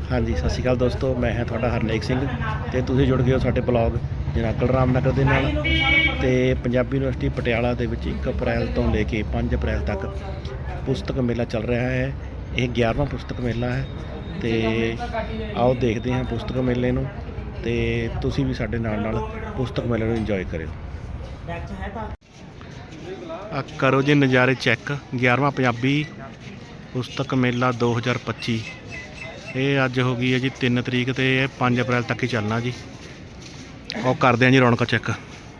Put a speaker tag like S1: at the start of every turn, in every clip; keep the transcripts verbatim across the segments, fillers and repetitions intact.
S1: हाँ जी सत श्री अकाल दोस्तों, मैं है थोड़ा हरनेक सिंह ते तुसीं जुड़ गए हो साडे ब्लॉग जनागल रामनगर दे नाल। ते पंजाबी यूनिवर्सिटी पटियाला दे विच एक अप्रैल तो लेके पाँच अप्रैल तक पुस्तक मेला चल रहा है। यह ग्यारहवां पुस्तक मेला है। तो आओ देखते हैं पुस्तक मेले नूं ते तुसीं भी साडे नाल नाल पुस्तक मेले नूं इंजॉय करियो। आ करो जी नज़ारे चैक। ग्यारहवां पंजाबी पुस्तक मेला दो हज़ार पच्ची ये अज हो गई है जी तीन तरीक तो पाँच अप्रैल तक ही चलना जी। और करते हैं जी रौनक चेक।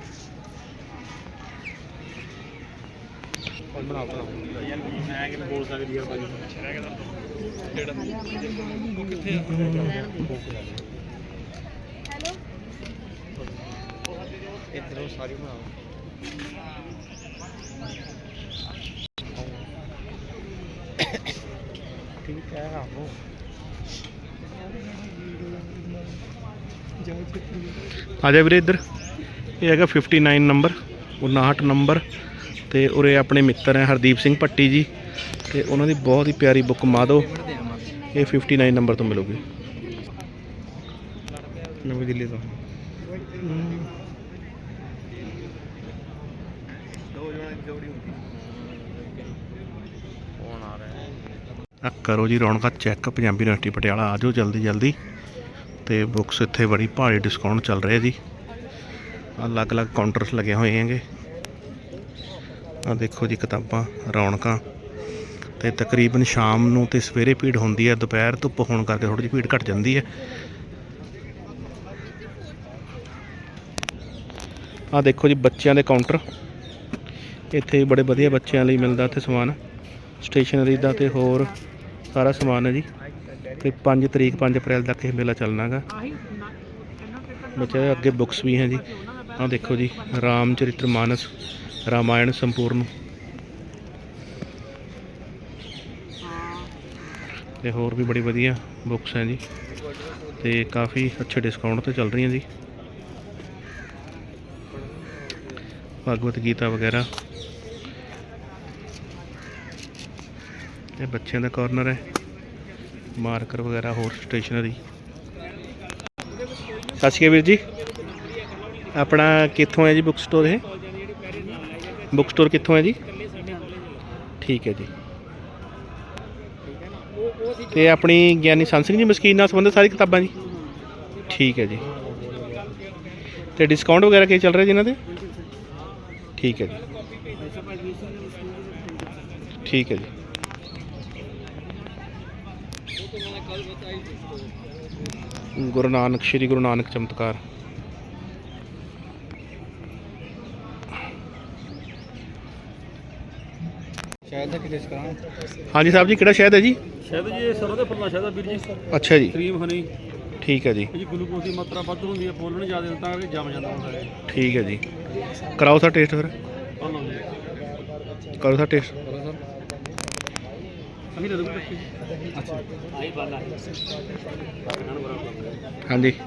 S1: ठीक है आ जा वीरे इधर। ये है फिफ्टी नाइन नंबर उनाहठ नंबर। तो उरे अपने मित्र हैं हरदीप सिंह भट्टी जी। तो उन्होंने बहुत ही प्यारी बुक माधो ये फिफ्टी नाइन नंबर तो मिलूगी नवी दिल्ली तो। करो जी रौनक चैक पंजाबी यूनिवर्सिटी पटियाला। आ जाओ जल्दी जल्दी। तो बुक्स इत्थे बड़ी भारी डिस्काउंट चल रहे जी। अलग अलग काउंटर्स लगे हुए हैं। आ देखो जी किताबां रौनक। तो तकरीबन शाम नूं ते सवेरे भीड़ होंदी है, दोपहर धुप्प होने करके थोड़ी जी भीड़ घट जाती है। आ देखो जी बच्चों के काउंटर इत्थे बड़े वधिया बच्चों लई मिलदा इत्थे समान स्टेशनरी का तो होर सारा समान है जी। तो पाँच तरीक पाँच अप्रैल तक यह मेला चलना गा। बच्चे अगे बुक्स भी हैं जी। हाँ देखो जी रामचरित्र मानस रामायण संपूर्ण ते होर भी बड़ी वधिया बुक्स हैं जी। तो काफ़ी अच्छे डिस्काउंट तो चल रही हैं जी। भगवत गीता वगैरह ये बच्चों का कॉर्नर है। मार्कर वगैरह होर स्टेशनरी। सत श्री अकाल वीर जी, अपना कित्थों है जी बुक स्टोर? है बुक स्टोर कित्थों है जी? ठीक है जी। तो अपनी ज्ञानी संत सिंह जी मस्कीन नाल संबंधित सारी किताबां जी? ठीक है जी। तो डिस्काउंट वगैरह क्या चल रहा है जी इन्हां दे? ठीक है जी। ठीक है जी। गुरु नानक श्री गुरु नानक चमत्कार। हाँ जी साहब जी किहड़ा शहद है जी?
S2: शहद जी सरों दे फुल्लां शहद वीर जी।
S1: अच्छा जी।
S2: क्रीम हनी।
S1: ठीक है जी।
S2: जी ग्लूकोज की मात्रा वध होंदी है, बोलण ज़्यादा तां करके जम जांदा हुंदा है।
S1: ठीक है जी। कराओ सा टेस्ट फिर। करो सा टेस्ट। हाँ जी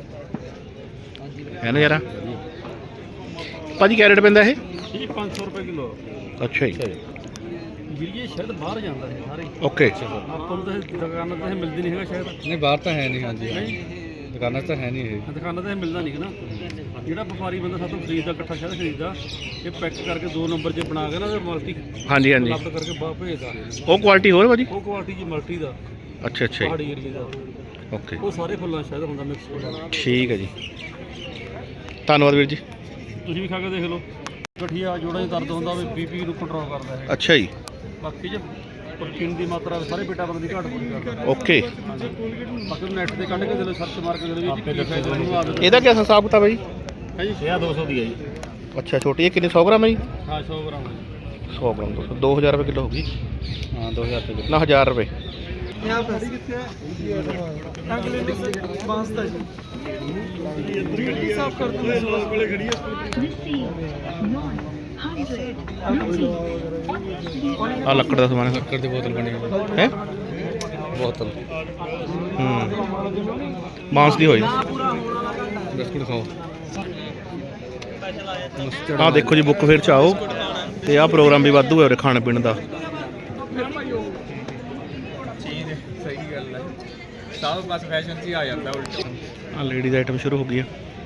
S1: है ना जरा भाजी क्या रेट पैंदा है?
S2: पाँच सौ रुपये किलो।
S1: अच्छा जी।
S2: ਵੀਰ ਜੀ ਸ਼ਹਿਦ ਬਾਹਰ ਜਾਂਦਾ ਹੈ ਸਾਰੇ।
S1: ਓਕੇ
S2: ਆਪਾਂ ਨੂੰ ਤਾਂ ਦੁਕਾਨਾਂ ਤੇ ਮਿਲਦੀ ਨਹੀਂ ਹੈਗਾ ਸ਼ਹਿਦ।
S3: ਨਹੀਂ ਬਾਹਰ ਤਾਂ ਹੈ ਨਹੀਂ। ਹਾਂਜੀ ਦੁਕਾਨਾਂ ਤਾਂ ਹੈ ਨਹੀਂ ਇਹ।
S2: ਦੁਕਾਨਾਂ ਤੇ ਮਿਲਦਾ ਨਹੀਂ ਨਾ। ਜਿਹੜਾ ਵਪਾਰੀ ਬੰਦਾ ਸਾਤੋਂ ਖਰੀਦਦਾ ਇਕੱਠਾ ਸ਼ਹਿਦ ਖਰੀਦਦਾ ਇਹ ਪੈਕ ਕਰਕੇ ਦੋ ਨੰਬਰ 'ਚ ਬਣਾ ਕੇ ਨਾ ਤੇ ਮਲਟੀ
S1: ਹਾਂਜੀ ਹਾਂਜੀ
S2: ਲੱਭ ਕਰਕੇ ਬਾਹਰ ਭੇਜਦਾ।
S1: ਉਹ ਕੁਆਲਿਟੀ ਹੋਰ ਭਾਜੀ?
S2: ਉਹ ਕੁਆਲਿਟੀ ਜੀ ਮਲਟੀ ਦਾ।
S1: ਅੱਛਾ ਅੱਛਾ ਜੀ।
S2: ਪਹਾੜੀ ਏਰੀਏ ਦਾ।
S1: ਓਕੇ
S2: ਉਹ ਸਾਰੇ ਫੁੱਲਾਂ ਸ਼ਹਿਦ ਹੁੰਦਾ ਮਿਕਸ ਹੁੰਦਾ।
S1: ਠੀਕ ਹੈ ਜੀ। ਧੰਨਵਾਦ ਵੀਰ ਜੀ।
S2: ਤੁਸੀਂ ਵੀ ਖਾ ਕੇ ਦੇਖ ਲਓ। ਗਠੀਆ ਜੋੜਾਂ 'ਚ ਦਰਦ ਹੁੰਦਾ ਵੀ ਬੀਪੀ ਨੂੰ ਕੰਟਰੋਲ ਕਰਦਾ ਹੈ।
S1: ਅੱਛਾ ਜੀ।
S2: ਬਾਕੀ ਜੇ ਪ੍ਰੋਟੀਨ ਦੀ ਮਾਤਰਾ ਸਾਰੇ ਵਿਟਾਮਿਨ ਦੀ ਘਾਟ ਪੂਰੀ ਕਰਦਾ।
S1: ਓਕੇ
S2: ਬਾਕੀ ਨੈਟ ਤੇ ਕੱਢ ਕੇ ਦੇ ਲਓ, ਸਰਚ ਮਾਰ ਕੇ ਦੇ ਲਓ ਜੀ ਕੀ ਫਾਇਦਾ ਉਹਨੂੰ ਆਦਤ।
S1: ਇਹਦਾ ਕੀ ਹਿਸਾਬ ਕਿਤਾਬ ਹੈ ਜੀ?
S2: ਹੈ ਜੀ ਇਹ ਦੋ ਸੌ ਦੀ ਹੈ ਜੀ।
S1: ਅੱਛਾ ਛੋਟੀ ਹੈ ਕਿੰਨੇ? सौ ग्राम है जी?
S2: ਹਾਂ सौ ग्राम है जी।
S1: सौ ग्राम दो सौ दो हज़ार रुपये किलो होगी।
S3: ਹਾਂ दो हज़ार रुपये
S1: ना हज़ार रुपये। आ लकड़ का समान है।
S3: ਲੱਕੜ ਦੀ ਬੋਤਲ ਬਣੀ ਹੋਈ
S1: है
S3: ਬੋਤਲ।
S1: बांस की होई।
S3: ਬਿਸਕੁਟ ਖਾਓ।
S1: आ देखो जी बुक फेयर च आओ तो आ प्रोग्राम भी वाधू है खाने पीने का।
S3: ਸਭ ਬਸ ਫੈਸ਼ਨ 'ਚ ਹੀ ਆ ਜਾਂਦਾ ਉਲਟਾ।
S1: ਆ ਲੇਡੀਜ਼ ਆਈਟਮ ਸ਼ੁਰੂ ਹੋ ਗਈ ਆ।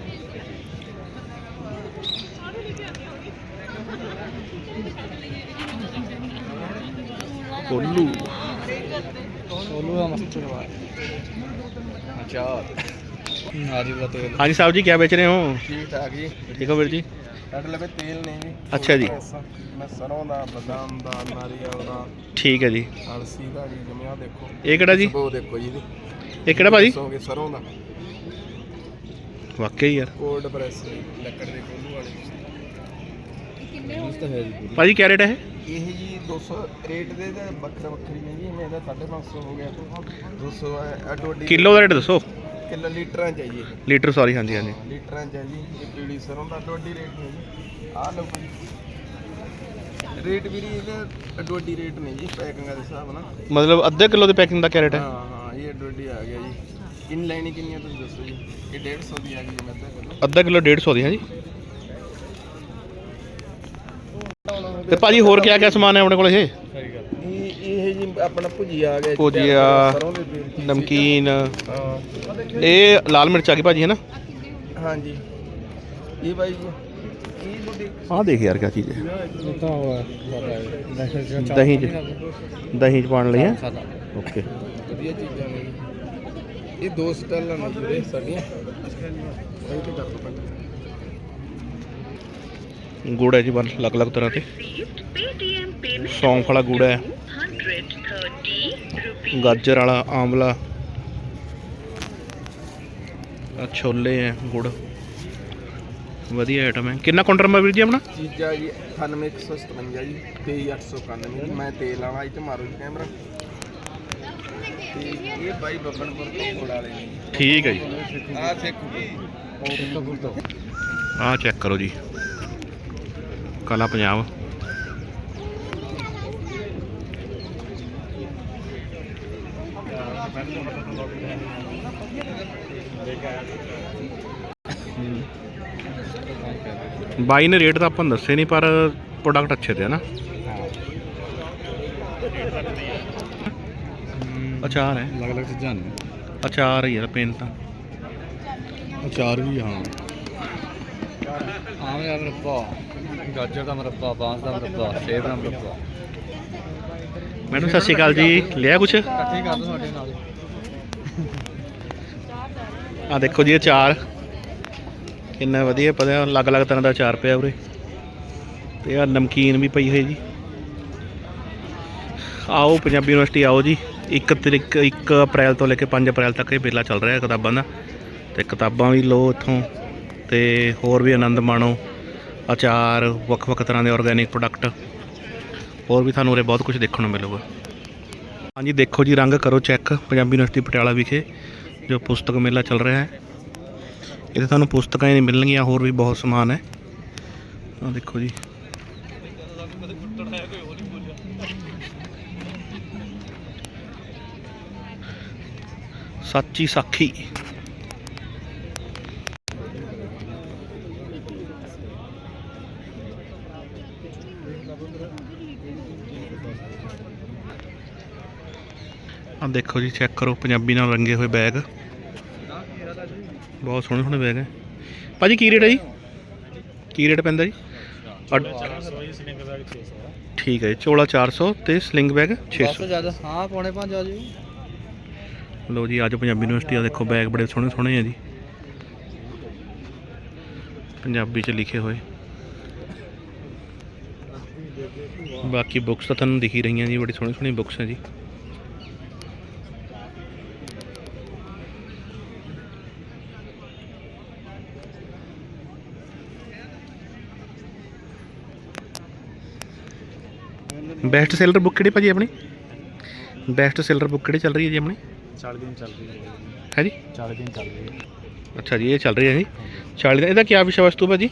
S1: ਕੋਲੂ
S3: ਕੋਲੂ ਦਾ ਮਸਤ ਚਲਵਾ ਅੱਛਾ ਨਾਰੀ ਦਾ ਤੇਲ।
S1: ਹਾਂਜੀ ਸਾਹਿਬ ਜੀ, ਕੀ ਵੇਚ ਰਹੇ ਹੋ?
S3: ਠੀਕ ਠਾਕ ਜੀ।
S1: ਠੀਕ ਹੋ ਵੀਰ ਜੀ?
S3: ਸਾਡੇ ਲਵੇ ਤੇਲ ਨਹੀਂ ਜੀ।
S1: ਅੱਛਾ ਜੀ,
S3: ਮੈਂ ਸਰੋਂ ਦਾ, ਬਦਾਮ ਦਾ, ਨਾਰੀਅਲ ਦਾ,
S1: ਠੀਕ ਹੈ ਜੀ।
S3: ਅਲਸੀ ਦਾ ਜੀ। ਜਮਿਆ ਦੇਖੋ
S1: ਇਹ ਕਿਹੜਾ ਜੀ?
S3: ਉਹ ਦੇਖੋ ਜੀ ਇਹਦੀ।
S1: ਇਹ ਕਿਹੜਾ ਭਾਜੀ?
S3: ਦੱਸੋਗੇ ਸਰੋਂ ਦਾ।
S1: ਵਾਕਈ ਯਾਰ
S3: ਕੋਲਡ ਪ੍ਰੈਸ ਲੱਕੜ ਦੇ ਕੋਲੂ ਵਾਲੇ। ਮਸਤ ਹੈ ਜੀ।
S1: ਭਾਜੀ ਕੀ ਰੇਟ ਹੈ ਇਹ?
S3: ਇਹ ਜੀ ਦੋ ਸੌ ਰੇਟ ਦੇ ਤਾਂ ਵੱਖਰਾ ਵੱਖਰੀ ਨਹੀਂ ਜੀ। ਮੈਂ ਇਹਦਾ ਸਾਢੇ ਪੰਜ ਸੌ ਹੋ ਗਿਆ। ਦੋ ਸੌ ਅੱਡੋ ਅੱਡੀ
S1: ਕਿਲੋ ਦਾ ਰੇਟ ਦੱਸੋ।
S3: ਕਿਲੋ ਲੀਟਰਾਂ ਚਾਹੀਏ।
S1: ਲੀਟਰ ਸੌਰੀ, ਹਾਂਜੀ ਹਾਂਜੀ।
S3: ਲੀਟਰਾਂ ਚ ਹੈ ਜੀ। ਇਹ ਪੀਲੀ ਸਰੋਂ ਦਾ ਅੱਡੋ ਅੱਡੀ ਰੇਟ ਨਹੀਂ ਜੀ। ਆਹ ਲਓ ਜੀ ਰੇਟ ਵੀ ਨਹੀਂ ਇਹਦੇ ਅੱਡੋ ਅੱਡੀ ਰੇਟ ਨਹੀਂ ਜੀ ਪੈਕਿੰਗਾਂ ਦੇ ਹਿਸਾਬ ਨਾਲ।
S1: ਮਤਲਬ ਅੱਧੇ ਕਿਲੋ ਦੀ ਪੈਕਿੰਗ ਦਾ ਕੀ ਰੇਟ ਹੈ?
S3: ਹਾਂ ਹਾਂ ਇਹ ਅੱਡੋ ਅੱਡੀ ਆ ਗਿਆ ਜੀ। ਕਿੰਨੀ ਲੈਣੀ ਕਿੰਨੀ ਆ ਤੁਸੀਂ ਦੱਸੋ ਜੀ। ਇਹ ਡੇਢ ਸੌ ਦੀ ਆ ਗਈ ਜੀ। ਮੈਂ ਅੱਧਾ ਕਿਲੋ
S1: ਅੱਧਾ ਕਿਲੋ ਡੇਢ ਸੌ ਦੀ ਹੈ ਜੀ। ਤੇ ਭਾਜੀ ਹੋਰ ਕਿਆ ਕਿਆ ਸਮਾਨ ਹੈ ਆਪਣੇ ਕੋਲ? ਇਹ
S3: ਇਹ ਇਹ ਜੀ ਆਪਣਾ ਭੁਜੀਆ ਆ ਗਿਆ।
S1: ਭੁਜੀਆ,
S3: ਸਰੋਂ ਦੇ ਤੇਲ ਦੀ।
S1: ਨਮਕੀਨ,
S3: ਹਾਂ
S1: ਇਹ ਲਾਲ ਮਿਰਚ ਆ ਗਈ ਭਾਜੀ, ਹੈ ਨਾ?
S3: ਹਾਂਜੀ ਇਹ ਬਾਈ ਜੀ ਇਹ ਤੁਹਾਡੀ
S1: ਆਹ ਦੇਖ ਯਾਰ ਕਿਆ ਚੀਜ਼ ਹੈ।
S3: ਇਹ ਤਾਂ ਉਹ
S1: ਦਹੀਂ ਚ ਦਹੀਂ ਚ ਪਾਉਣ ਲਈ ਹੈ। ਓਕੇ,
S3: ਵਧੀਆ ਚੀਜ਼ਾਂ ਨੇ ਜੀ। ਇਹ ਦੋ ਸਟਾਲਾਂ ਨੇ ਜਿਹੜੇ ਸਾਡੀਆਂ। ਸਹੀ ਤੇ ਕਰ ਦੋ ਪੰਜ।
S1: ਗੁੜ ਹੈ ਜੀ ਬਣ ਅਲੱਗ ਅਲੱਗ ਤਰ੍ਹਾਂ ਤੇ। ਸੌਂਫ ਵਾਲਾ ਗੁੜ ਹੈ, ਗਾਜਰ ਵਾਲਾ, ਆਮਲਾ, ਆਹ ਛੋਲੇ ਹੈ, ਗੁੜ। ਵਧੀਆ ਆਈਟਮ ਹੈ। ਕਿੰਨਾ ਕਾਊਂਟਰ ਨੰਬਰ ਵੀਰ ਜੀ ਆਪਣਾ?
S3: ਚੀਜ਼ਾਂ ਜੀ ਅਠਾਨਵੇਂ ਇੱਕ ਸੌ ਸਤਵੰਜਾ ਜੀ, ਤੇਈ ਅੱਠ ਸੌ ਇਕਾਨਵੇਂ ਜੀ। ਮੈਂ ਤੇਲ ਵਾਲਾ ਇਹ 'ਚ ਮਾਰੋ ਜੀ ਕੈਮਰਾ। ਤੇ ਇਹ ਬਾਈ ਬੱਬਨਪੁਰ ਤੋਂ ਕੋਲ ਵਾਲੇ ਨੇ।
S1: ਠੀਕ ਹੈ ਜੀ।
S3: ਆਹ ਦੇਖੋ
S1: ਆਹ ਚੈੱਕ ਕਰੋ ਜੀ, ਕਲਾ ਪੰਜਾਬ। ਬਾਈ ਨੇ ਰੇਟ ਤਾਂ ਆਪਾਂ ਨੂੰ ਦੱਸੇ ਨਹੀਂ, ਪਰ ਪ੍ਰੋਡਕਟ ਅੱਛੇ ਤੇ ਹੈ ਨਾ। ਅਚਾਰ ਹੈ,
S3: ਅਲੱਗ ਅਲੱਗ ਚੀਜ਼ਾਂ ਨੇ।
S1: ਅਚਾਰ ਹੀ ਯਾਰ ਪੇਨ ਤਾਂ।
S3: ਅਚਾਰ ਵੀ ਹਾਂ। ਆਮ ਦਾ ਮੁਰੱਬਾ, ਗਾਜਰ ਦਾ ਮੁਰੱਬਾ, ਬਾਂਸ ਦਾ ਮੁਰੱਬਾ, ਸੇਬ ਦਾ ਮੁਰੱਬਾ।
S1: ਮੈਡਮ ਸਤਿ ਸ਼੍ਰੀ ਅਕਾਲ ਜੀ, ਲਿਆ ਕੁਛ?
S3: ਇਕੱਠੇ ਕਰ ਦੋ ਸਾਡੇ ਨਾਲ।
S1: ਆ ਦੇਖੋ ਜੀ ਅਚਾਰ ਕਿੰਨਾ ਵਧੀਆ ਪਤਾ, ਅਲੱਗ ਅਲੱਗ ਤਰ੍ਹਾਂ ਦਾ ਅਚਾਰ ਪਿਆ ਉਰੇ। ਤੇ ਆ ਨਮਕੀਨ ਵੀ ਪਈ ਹੋਈ ਜੀ। ਆਓ ਪੰਜਾਬੀ ਯੂਨੀਵਰਸਿਟੀ ਆਓ ਜੀ। ਇੱਕ ਤਰੀਕ ਇੱਕ ਅਪ੍ਰੈਲ ਤੋਂ ਲੈ ਕੇ ਪੰਜ ਅਪ੍ਰੈਲ ਤੱਕ ਇਹ ਮੇਲਾ ਚੱਲ ਰਿਹਾ ਕਿਤਾਬਾਂ ਦਾ। ਤੇ ਕਿਤਾਬਾਂ ਵੀ ਲਓ ਇੱਥੋਂ, ਤੇ ਹੋਰ ਵੀ ਆਨੰਦ ਮਾਣੋ। ਅਚਾਰ, ਵੱਖ ਵੱਖ ਤਰ੍ਹਾਂ ਦੇ ਆਰਗੈਨਿਕ ਪ੍ਰੋਡਕਟ, ਹੋਰ ਵੀ ਤੁਹਾਨੂੰ ਉਰੇ ਬਹੁਤ ਕੁਝ ਦੇਖਣ ਨੂੰ ਮਿਲੂਗਾ। ਹਾਂਜੀ ਦੇਖੋ ਜੀ, ਰੰਗ ਕਰੋ ਚੈੱਕ। ਪੰਜਾਬੀ ਯੂਨੀਵਰਸਿਟੀ ਪਟਿਆਲਾ ਵਿਖੇ ਜੋ ਪੁਸਤਕ ਮੇਲਾ ਚੱਲ ਰਿਹਾ ਹੈ, ਇੱਥੇ ਤੁਹਾਨੂੰ ਪੁਸਤਕਾਂ ਹੀ ਨਹੀਂ ਮਿਲਣਗੀਆਂ, ਹੋਰ ਵੀ ਬਹੁਤ ਸਮਾਨ ਹੈ। ਆਹ ਦੇਖੋ ਜੀ, ਸੱਚੀ ਸਾਖੀ। ਆ ਦੇਖੋ ਜੀ, ਚੈੱਕ ਕਰੋ ਪੰਜਾਬੀ ਨਾਲ ਰੰਗੇ ਹੋਏ ਬੈਗ। ਬਹੁਤ ਸੋਹਣੇ ਸੋਹਣੇ ਬੈਗ ਹੈ ਭਾਜੀ। ਕੀ ਰੇਟ ਹੈ ਜੀ? ਕੀ ਰੇਟ ਪੈਂਦਾ ਜੀ? ਠੀਕ ਹੈ ਜੀ, ਚੋਲਾ ਚਾਰ ਸੌ ਤੇ ਸਲਿੰਗ ਬੈਗ ਛੇ ਸੌ।
S3: ਜ਼ਿਆਦਾ ਹਾਂ, ਪੌਣੇ ਪੰਜ ਆ ਜੀ।
S1: ਲਓ ਜੀ, ਅੱਜ ਪੰਜਾਬੀ ਯੂਨੀਵਰਸਿਟੀ ਆ ਦੇਖੋ ਬੈਗ ਬੜੇ ਸੋਹਣੇ ਸੋਹਣੇ ਆ ਜੀ, ਪੰਜਾਬੀ 'ਚ ਲਿਖੇ ਹੋਏ। ਬਾਕੀ ਬੁੱਕਸ ਤਾਂ ਤੁਹਾਨੂੰ ਦਿਖ ਹੀ ਰਹੀਆਂ ਜੀ, ਬੜੀ ਸੋਹਣੀ ਸੋਹਣੀ ਬੁੱਕਸ ਹੈ ਜੀ। ਬੈਸਟ ਸੈਲਰ ਬੁੱਕ ਕਿਹੜੀ ਭਾਜੀ ਆਪਣੀ? ਬੈਸਟ ਸੈਲਰ ਬੁੱਕ ਕਿਹੜੀ ਚੱਲ ਰਹੀ ਹੈ ਜੀ ਆਪਣੀ?
S2: ਚਾਲੀ ਦਿਨ ਚੱਲ ਰਹੀ ਹੈ
S1: ਹੈ ਜੀ?
S2: ਚਾਲੀ ਦਿਨ ਚੱਲ ਰਹੀ ਹੈ।
S1: ਅੱਛਾ ਜੀ, ਇਹ ਚੱਲ ਰਹੀ ਹੈ ਜੀ ਚਾਲੀ ਦਿਨ। ਇਹਦਾ ਕੀ ਵਿਸ਼ਾ ਵਸਤੂ ਭਾਜੀ?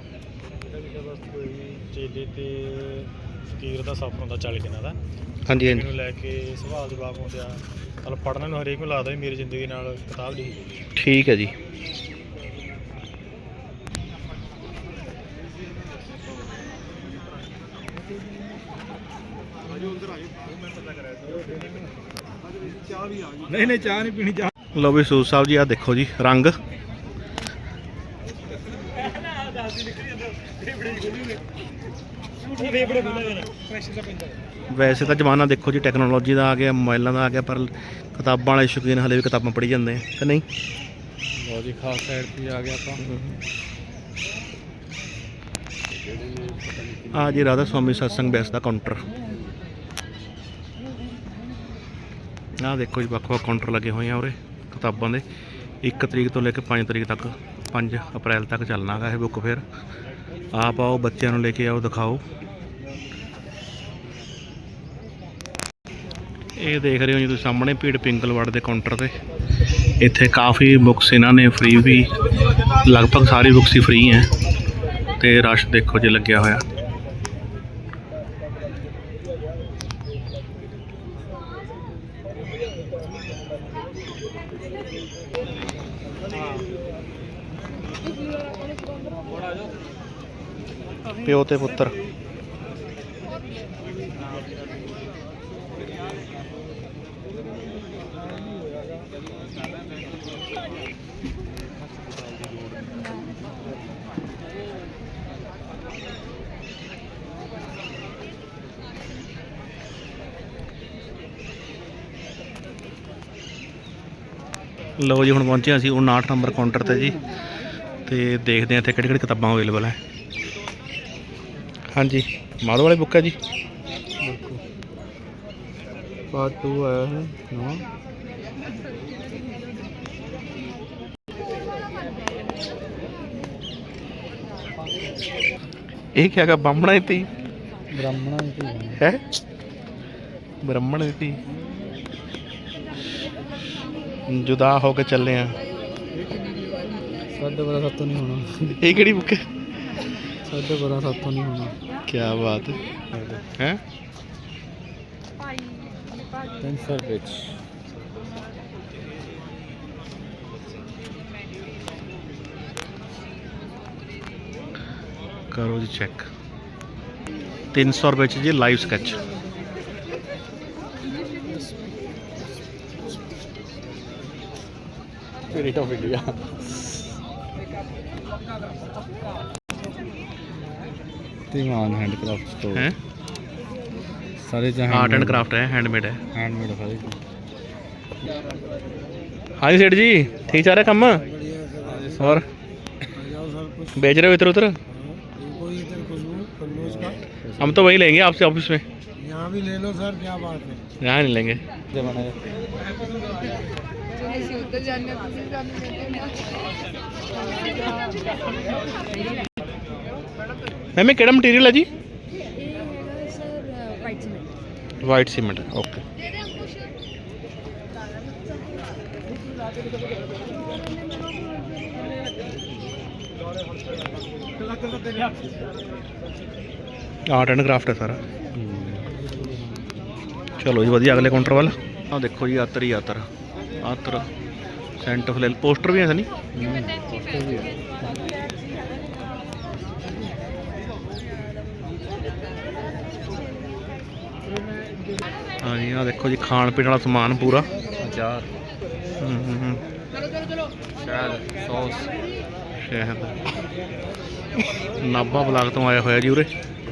S2: ਚੇਲੇ ਤੇ ਫਕੀਰ ਦਾ ਸਫ਼ਰ ਹੁੰਦਾ ਚਾਲੀ ਦਿਨਾਂ ਦਾ।
S1: ਹਾਂਜੀ
S2: ਇਹਨੂੰ
S1: ਹਾਂਜੀ,
S2: ਲੈ ਕੇ ਸਵਾਲ ਜਵਾਬ ਹੁੰਦੇ ਆ। ਮਤਲਬ ਪੜ੍ਹਨ ਨੂੰ ਹਰੇਕ ਨੂੰ ਲੱਗਦਾ ਵੀ ਮੇਰੀ ਜ਼ਿੰਦਗੀ ਨਾਲ ਕਿਤਾਬ ਲਿਖੀ ਗਈ।
S1: ਠੀਕ ਹੈ ਜੀ।
S2: ਨਹੀਂ ਨਹੀਂ ਚਾਹ ਨਹੀਂ ਪੀਣੀ ਚਾਹ।
S1: ਲਓ ਵੀ ਸੂਦ ਸਾਹਿਬ ਜੀ, ਆ ਦੇਖੋ ਜੀ ਰੰਗ। ਵੈਸੇ ਤਾਂ ਜ਼ਮਾਨਾ ਦੇਖੋ ਜੀ ਟੈਕਨੋਲੋਜੀ ਦਾ ਆ ਗਿਆ, ਮੋਬਾਈਲਾਂ ਦਾ ਆ ਗਿਆ, ਪਰ ਕਿਤਾਬਾਂ ਵਾਲੇ ਸ਼ੌਕੀਨ ਹਲੇ ਵੀ ਕਿਤਾਬਾਂ ਪੜ੍ਹੀ ਜਾਂਦੇ ਆ ਕਿ ਨਹੀਂ।
S2: ਲਓ ਜੀ ਖਾਸ ਸਾਈਡ ਤੇ ਆ ਗਿਆ ਆਪਾਂ।
S1: ਆ ਜੀ ਰਾਧਾ ਸਵਾਮੀ ਸਤਸੰਗ ਬੈਸ ਦਾ ਕਾਊਂਟਰ। ਆਹ ਦੇਖੋ ਜੀ ਵੱਖ ਵੱਖ ਕਾਊਂਟਰ ਲੱਗੇ ਹੋਏ ਆ ਉਰੇ ਕਿਤਾਬਾਂ ਦੇ। ਇੱਕ ਤਰੀਕ ਤੋਂ ਲੈ ਕੇ ਪੰਜ ਤਰੀਕ ਤੱਕ, ਪੰਜ ਅਪ੍ਰੈਲ ਤੱਕ ਚੱਲਣਾ ਹੈਗਾ ਇਹ ਬੁੱਕ ਫੇਅਰ। ਆਪ ਆਓ, ਬੱਚਿਆਂ ਨੂੰ ਲੈ ਕੇ ਆਓ, ਦਿਖਾਓ। ਇਹ ਦੇਖ ਰਹੇ ਹੋ ਜੀ ਤੁਸੀਂ ਸਾਹਮਣੇ ਭੀੜ ਪਿੰਗਲਵਾੜ ਦੇ ਕਾਊਂਟਰ ਤੇ। ਇੱਥੇ ਕਾਫੀ ਬੁੱਕਸ ਇਹਨਾਂ ਨੇ ਫ੍ਰੀ ਵੀ, ਲਗਭਗ ਸਾਰੀ ਬੁੱਕਸ ਹੀ ਫ੍ਰੀ ਹੈ। ਤੇ ਰਸ਼ ਦੇਖੋ ਜੀ ਲੱਗਿਆ ਹੋਇਆ। ਪਿਓ ਤੇ ਪੁੱਤਰ। ਲਓ ਜੀ ਹੁਣ ਪਹੁੰਚੇ ਅਸੀਂ ਉਣਾਹਠ ਨੰਬਰ ਕਾਊਂਟਰ ਤੇ ਜੀ, ਤੇ ਦੇਖਦੇ ਹਾਂ ਇੱਥੇ ਕਿਹੜੀ ਕਿਹੜੀ ਕਿਤਾਬਾਂ ਅਵੇਲੇਬਲ ਹੈ। ਹਾਂਜੀ ਮਾਧੋ ਵਾਲੀ ਬੁੱਕ ਹੈ ਜੀ।
S2: ਪਾਰਟ ਟੂ ਆਇਆ ਹੈ ਨਵਾਂ।
S1: ਇਹ ਕੀ ਹੈਗਾ? ਬਾਹਮਣਾ ਨੀਤੀ
S2: ਬ੍ਰਾਹਮਣਾਂ ਦੀ
S1: ਹੈ, ਬ੍ਰਾਹਮਣ ਨੀਤੀ। ਜੁਦਾ ਹੋ ਕੇ ਚੱਲੇ ਆ।
S2: ਸਾਡੇ ਬੜਾ ਸਾਤੋਂ ਨਹੀਂ ਹੋਣਾ।
S1: ਇਹ ਕਿਹੜੀ ਬੁੱਕ ਹੈ?
S2: ਸਾਡੇ ਬੜਾ ਸਾਤੋਂ ਨਹੀਂ ਹੋਣਾ।
S1: ਕੀ ਬਾਤ ਹੈ।
S2: ਪੈਨਸਲ ਵਿੱਚ
S1: ਕਰੋ ਜੀ ਚੈੱਕ। ਤਿੰਨ ਸੌ ਰੁਪਏ 'ਚ ਜੀ live sketch.
S2: Spirit of India. Dhiman handicraft store
S1: ਹੈ,
S2: ਸਾਰੇ ਜਹਾਂ
S1: ਆर्ट एंड क्राफ्ट है, हैंडमेड है।
S2: हैंडमेड सारे।
S1: हाँ जी सेठ जी, ठीक चल रहा है काम? और बेच रहे हो इधर उधर? हम तो वही लेंगे आपसे ऑफिस में।
S3: यहाँ भी ले लो सर, क्या बात है।
S1: यहाँ नहीं लेंगे। मैम केड़ा मटीरियल है जी? White cement. Okay. Art and craft है सारा। चलो जी वधिया अगले काउंटर वाला। हाँ देखो जी आतर ही आतर आतर सेंट फ्लेल पोस्टर भी है नहीं। हाँ जी हाँ देखो जी खान पीने वाला समान पूरा।
S2: अचार, शहद, सॉस।
S1: शहद नाभा ब्लाक तो आया होया जी उरे।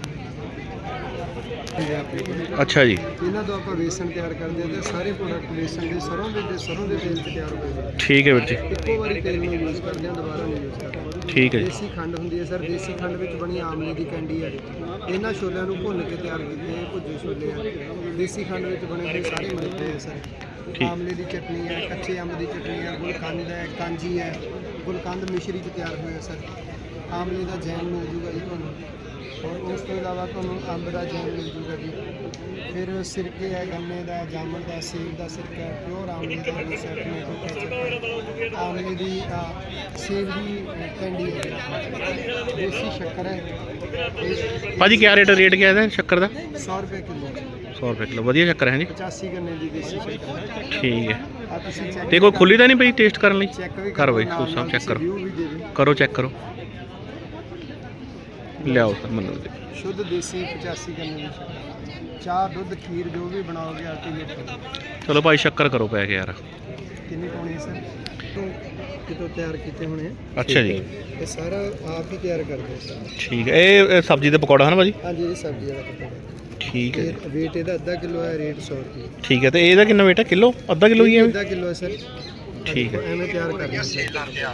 S1: अच्छा जी।
S3: ਇਹਨਾਂ ਤੋਂ ਆਪਾਂ ਵੇਸਣ ਤਿਆਰ ਕਰਦੇ ਹਾਂ ਤੇ ਸਾਰੇ ਪ੍ਰੋਡਕਟ ਵੇਸਣ ਦੇ ਸਰੋਂ ਦੇ ਤੇ ਸਰੋਂ ਦੇ ਤੇਲ 'ਚ ਤਿਆਰ ਹੋਏ ਨੇ।
S1: ठीक है ਵੀਰ ਜੀ।
S3: ਇੱਕੋ ਵਾਰੀ ਤੇਲ ਨੂੰ ਯੂਜ਼ ਕਰਦੇ ਹਾਂ, ਦੁਬਾਰਾ ਨਹੀਂ ਯੂਜ਼ ਕਰਦੇ।
S1: ठीक है जी।
S3: ਦੇਸੀ ਖੰਡ ਹੁੰਦੀ ਹੈ ਸਰ, ਦੇਸੀ ਖੰਡ ਵਿੱਚ ਬਣੀ ਆਮਲੇ ਦੀ ਕੈਂਡੀ ਹੈ। ਇਹਨਾਂ ਛੋਲਿਆਂ ਨੂੰ ਭੁੰਨ ਕੇ ਤਿਆਰ ਕੀਤੇ ਇਹ ਭੁੱਜੇ ਛੋਲੇ ਆ। ਦੇਸੀ ਖੰਡ ਵਿੱਚ ਬਣੇ ਹੋਏ ਸਾਰੇ ਮਿੱਠੇ ਹੈ ਸਰ। ਆਮਲੇ ਦੀ ਚਟਨੀ ਹੈ, ਕੱਚੇ ਅੰਬ ਦੀ ਚਟਨੀ ਹੈ, ਗੁਲਕੰਦ ਹੈ, ਕਾਂਜੀ ਹੈ। ਗੁਲਕੰਦ ਮਿਸ਼ਰੀ 'ਚ ਤਿਆਰ ਹੋਇਆ ਸਰ। ਆਮਲੇ ਦਾ ਜੈਮ ਮਿਲ ਜੂਗਾ ਜੀ ਤੁਹਾਨੂੰ, ਔਰ ਉਸ ਤੋਂ ਇਲਾਵਾ ਤੁਹਾਨੂੰ ਅੰਬ ਦਾ ਜੈਮ ਮਿਲ ਜੂਗਾ ਜੀ। ਫਿਰ ਸਿਰਕੇ ਹੈ, ਗੰਨੇ ਦਾ, ਜਾਮਣ ਦਾ, ਸੇਬ ਦਾ ਸਿਰਕਾ ਹੈ, ਪਿਓਰ ਆਮਲੇ ਦਾ ਜੂਸ ਹੈ, ਟੋਮੈਟੋ ਕੈਚਅਪ, ਆਮਲੇ ਦੀ ਅ, ਸੇਬ ਦੀ ਕੈਂਡੀ ਹੈ, ਦੇਸੀ ਸ਼ੱਕਰ ਹੈ।
S1: भाजी क्या रेट रेट क्या है शक्कर का?
S3: सौ रुपये किलो,
S1: सौ रुपये किलो वधिया शक्कर है जी।
S3: पचासी गन्ने की देसी शक्कर है।
S1: ठीक है।
S3: आ तुसीं चेक
S1: ते कोई खुली तो नहीं पई टेस्ट करने ਲਈ?
S3: चेक भी
S1: कर भाई
S3: नाल
S1: सूद साहब
S3: नाल
S1: चेक करो
S3: review भी दे दिओ।
S1: करो चेक करो लियाओ सर मतलब
S3: शुद्ध देसी पचासी गन्ने की शक्कर ਚਾਹ ਦੁੱਧ ਖੀਰ ਜੋ ਵੀ ਬਣਾਓਗੇ ਅਲਟੀਮੇਟ।
S1: ਚਲੋ ਭਾਈ ਸ਼ੱਕਰ ਕਰੋ ਪੈ ਕੇ ਯਾਰ।
S3: ਕਿੰਨੀ ਪਾਉਣੀ ਹੈ ਸਰ? ਤੋਂ ਕਿਤੋਂ ਤਿਆਰ ਕੀਤੇ ਹੋਣੇ ਆ।
S1: ਅੱਛਾ ਜੀ,
S3: ਇਹ ਸਾਰਾ ਆਪ ਹੀ ਤਿਆਰ ਕਰਦੇ ਆ ਸਰ।
S1: ਠੀਕ ਹੈ। ਇਹ ਇਹ ਸਬਜ਼ੀ ਦੇ ਪਕੌੜਾ ਹਨ ਭਾਜੀ?
S3: ਹਾਂਜੀ ਇਹ ਸਬਜ਼ੀ ਦਾ ਪਕੌੜਾ।
S1: ਠੀਕ ਹੈ ਜੀ,
S3: ਇਹ weight ਇਹਦਾ ਅੱਧਾ ਕਿਲੋ ਹੈ, ਰੇਟ ਸੌ ਰੁਪਏ।
S1: ਠੀਕ ਹੈ। ਤੇ ਇਹਦਾ ਕਿੰਨਾ weight ਹੈ? ਕਿਲੋ ਅੱਧਾ ਕਿਲੋ ਹੀ ਹੈ?
S3: ਅੱਧਾ ਕਿਲੋ ਹੈ ਸਰ।
S1: ਠੀਕ ਹੈ।
S3: ਐਵੇਂ ਤਿਆਰ ਕਰਦੇ ਸਰ।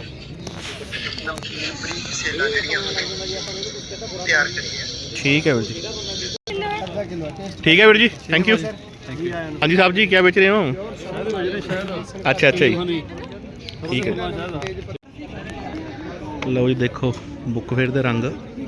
S3: ਤਿਆਰ ਕਰੀਏ।
S1: ਠੀਕ ਹੈ ਵੀਰ ਜੀ,
S3: ਅੱਧਾ ਕਿਲੋ ਟੇਸਟ।
S1: ਠੀਕ ਹੈ ਵੀਰ ਜੀ, ਥੈਂਕ ਯੂ।
S3: ਜੀ ਆਇਆਂ ਨੂੰ।
S1: ਹਾਂਜੀ ਸਾਹਿਬ ਜੀ, ਕੀ ਵੇਚ ਰਹੇ ਹੋ?
S2: ਸ਼ਹਿਦ ਵਜਦੇ ਸ਼ਹਿਦ।
S1: ਅੱਛਾ ਅੱਛਾ ਜੀ,
S2: ਹਾਂਜੀ
S1: ਠੀਕ ਹੈ।
S2: ਸ਼ਹਿਦ ਆ।
S1: ਲਓ ਜੀ ਦੇਖੋ ਬੁੱਕ ਫੇਅਰ ਦੇ ਰੰਗ।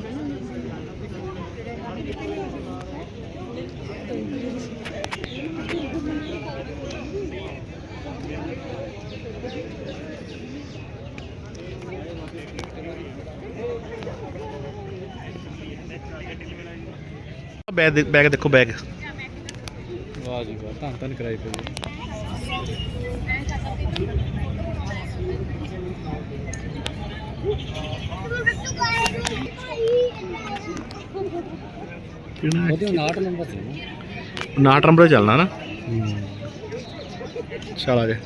S1: ਬੈਗ ਦੇ- ਬੈਗ ਦੇਖੋ ਬੈਗ।
S2: ਵਾਹ ਜੀ ਵਾਹ, ਧੰਨ ਧੰਨ ਕਰਾਈ ਪਈ। ਉਹਦੇ ਉਨਾਹਠ ਨੰਬਰ ਸੀ ਨਾ।
S1: ਉਨਾਹਠ ਨੰਬਰ ਚੱਲਣਾ ਨਾ। ਚਲ ਆ ਜਾ।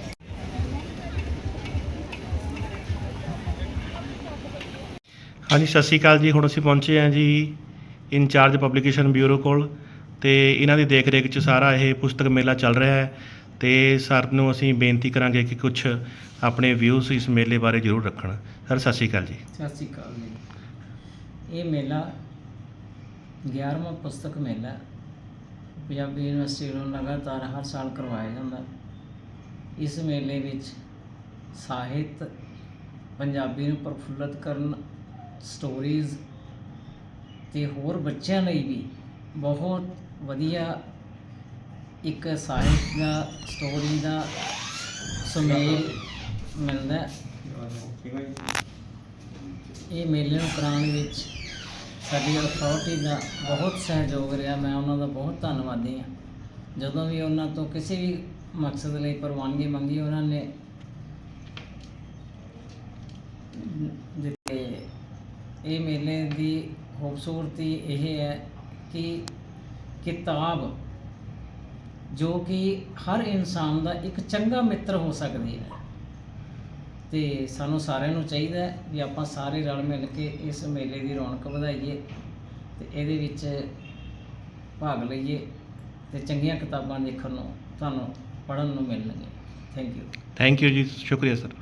S1: ਹਾਂਜੀ ਸਤਿ ਸ਼੍ਰੀ ਅਕਾਲ ਜੀ। ਹੁਣ ਅਸੀਂ ਪਹੁੰਚੇ ਹਾਂ ਜੀ ਇੰਚਾਰਜ ਪਬਲੀਕੇਸ਼ਨ ਬਿਊਰੋ ਕੋਲ, ਤੇ ਇਹਨਾਂ ਦੀ ਦੇਖ ਰੇਖ 'ਚ ਸਾਰਾ ਇਹ ਪੁਸਤਕ ਮੇਲਾ ਚੱਲ ਰਿਹਾ ਹੈ। ਤੇ ਸਰ ਨੂੰ ਅਸੀਂ ਬੇਨਤੀ ਕਰਾਂਗੇ ਕਿ ਕੁਝ ਆਪਣੇ ਵਿਊਜ਼ ਇਸ ਮੇਲੇ ਬਾਰੇ ਜ਼ਰੂਰ ਰੱਖਣ। ਸਰ ਸਤਿ ਸ਼੍ਰੀ ਅਕਾਲ ਜੀ।
S4: ਸਤਿ ਸ਼੍ਰੀ ਅਕਾਲ ਜੀ। ਇਹ ਮੇਲਾ ਗਿਆਰਵਾਂ ਪੁਸਤਕ ਮੇਲਾ ਪੰਜਾਬੀ ਯੂਨੀਵਰਸਿਟੀ ਵੱਲੋਂ ਲਗਾਤਾਰ ਹਰ ਸਾਲ ਕਰਵਾਇਆ ਜਾਂਦਾ। ਇਸ ਮੇਲੇ ਵਿੱਚ ਸਾਹਿਤ, ਪੰਜਾਬੀ ਨੂੰ ਪ੍ਰਫੁੱਲਤ ਕਰਨ, ਸਟੋਰੀਜ਼ ਅਤੇ ਹੋਰ ਬੱਚਿਆਂ ਲਈ ਵੀ ਬਹੁਤ ਵਧੀਆ ਇੱਕ ਸਾਹਿਤ ਦਾ, ਸਟੋਰੀ ਦਾ ਸੁਮੇਲ ਮਿਲਦਾ। ਇਹ ਮੇਲੇ ਨੂੰ ਕਰਾਉਣ ਵਿੱਚ ਸਾਡੀ ਅਥਾਰਟੀ ਦਾ ਬਹੁਤ ਸਹਿਯੋਗ ਰਿਹਾ। ਮੈਂ ਉਹਨਾਂ ਦਾ ਬਹੁਤ ਧੰਨਵਾਦੀ ਹਾਂ। ਜਦੋਂ ਵੀ ਉਹਨਾਂ ਤੋਂ ਕਿਸੇ ਵੀ ਮਕਸਦ ਲਈ ਪ੍ਰਵਾਨਗੀ ਮੰਗੀ, ਉਹਨਾਂ ਨੇ ਦਿੱਤੇ। ਇਹ ਮੇਲੇ ਦੀ ਖੂਬਸੂਰਤੀ ਇਹ ਹੈ ਕਿ ਕਿਤਾਬ ਜੋ ਕਿ ਹਰ ਇਨਸਾਨ ਦਾ ਇੱਕ ਚੰਗਾ ਮਿੱਤਰ ਹੋ ਸਕਦੀ ਹੈ, ਅਤੇ ਸਾਨੂੰ ਸਾਰਿਆਂ ਨੂੰ ਚਾਹੀਦਾ ਹੈ ਵੀ ਆਪਾਂ ਸਾਰੇ ਰਲ ਮਿਲ ਕੇ ਇਸ ਮੇਲੇ ਦੀ ਰੌਣਕ ਵਧਾਈਏ ਅਤੇ ਇਹਦੇ ਵਿੱਚ ਭਾਗ ਲਈਏ ਅਤੇ ਚੰਗੀਆਂ ਕਿਤਾਬਾਂ ਦੇਖਣ ਨੂੰ, ਤੁਹਾਨੂੰ ਪੜ੍ਹਨ ਨੂੰ ਮਿਲਣਗੀਆਂ। Thank you.
S1: ਥੈਂਕ ਯੂ ਜੀ, ਸ਼ੁਕਰੀਆ ਸਰ।